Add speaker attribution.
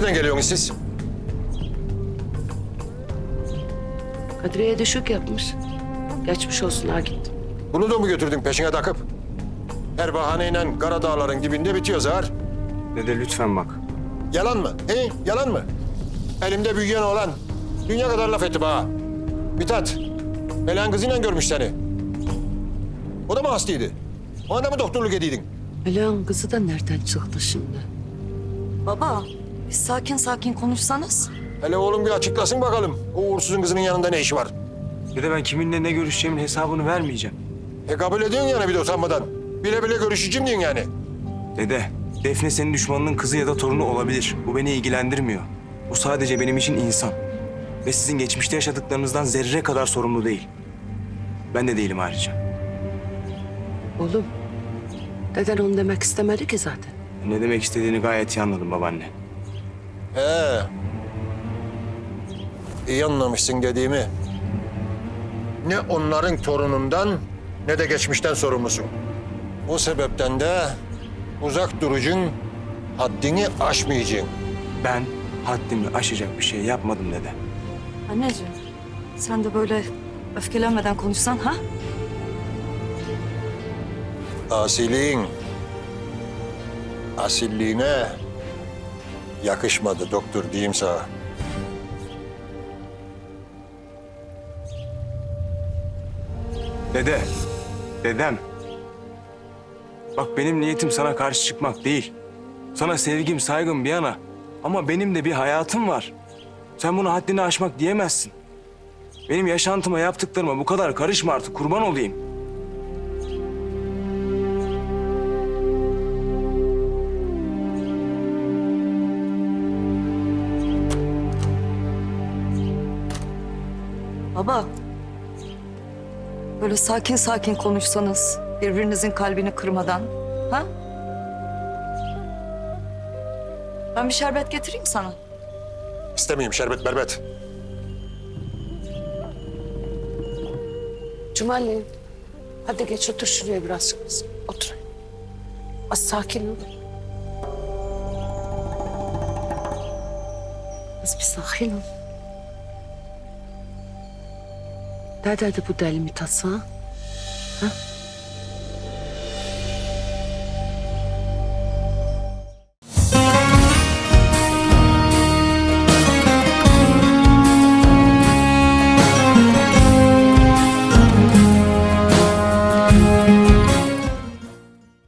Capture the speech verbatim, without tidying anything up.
Speaker 1: Nereden geliyorsunuz siz?
Speaker 2: Kadriye'ye düşük yapmış. Geçmiş olsun ha gittim.
Speaker 1: Bunu da mı götürdün peşine takıp? Her bahaneyle Karadağların dibinde bitiyor zar.
Speaker 3: Dede lütfen bak.
Speaker 1: Yalan mı? He? Yalan mı? Elimde büyüyen oğlan. Dünya kadar laf etti bana. Mithat, Meleğin kızıyla görmüş seni. O da mı hastaydı? Ona da mı doktorluk ediydin?
Speaker 2: Meleğin kızı da nereden çıktı şimdi?
Speaker 4: Baba, bir sakin sakin konuşsanız.
Speaker 1: Hele oğlum bir açıklasın bakalım. O uğursuzun kızının yanında ne işi var?
Speaker 3: Dede ben kiminle ne görüşeceğimin hesabını vermeyeceğim.
Speaker 1: E kabul ediyorsun yani bir de utanmadan. Bile bile görüşeceğim diyorsun yani.
Speaker 3: Dede, Defne senin düşmanının kızı ya da torunu olabilir. Bu beni ilgilendirmiyor. Bu sadece benim için insan. Ve sizin geçmişte yaşadıklarınızdan zerre kadar sorumlu değil. Ben de değilim ayrıca.
Speaker 2: Oğlum, deden onu demek istemedi ki zaten.
Speaker 3: Ne demek istediğini gayet iyi anladım babaanne.
Speaker 1: He. İyi anlamışsın dediğimi. Ne onların torunundan ne de geçmişten sorumlusun. O sebepten de uzak duracaksın, haddini aşmayacaksın.
Speaker 3: Ben haddimi aşacak bir şey yapmadım dede.
Speaker 4: Anneciğim, sen de böyle öfkelenmeden konuşsan ha?
Speaker 1: Asiliğin, asilliğine yakışmadı doktor diyeyim sana.
Speaker 3: Dede, dedem. Bak benim niyetim sana karşı çıkmak değil. Sana sevgim, saygım bir yana. Ama benim de bir hayatım var. Sen bunu haddini aşmak diyemezsin. Benim yaşantıma, yaptıklarıma bu kadar karışma artık, kurban olayım.
Speaker 4: Baba, böyle sakin sakin konuşsanız, birbirinizin kalbini kırmadan, ha? Ben bir şerbet getireyim sana.
Speaker 1: İstemeyeyim şerbet berbet.
Speaker 2: Cumali, hadi geç otur şuraya birazcık kızım. Otur. Az sakin ol. Az bir sakin ol. Ne dedi bu deli Mithat sana? Ha?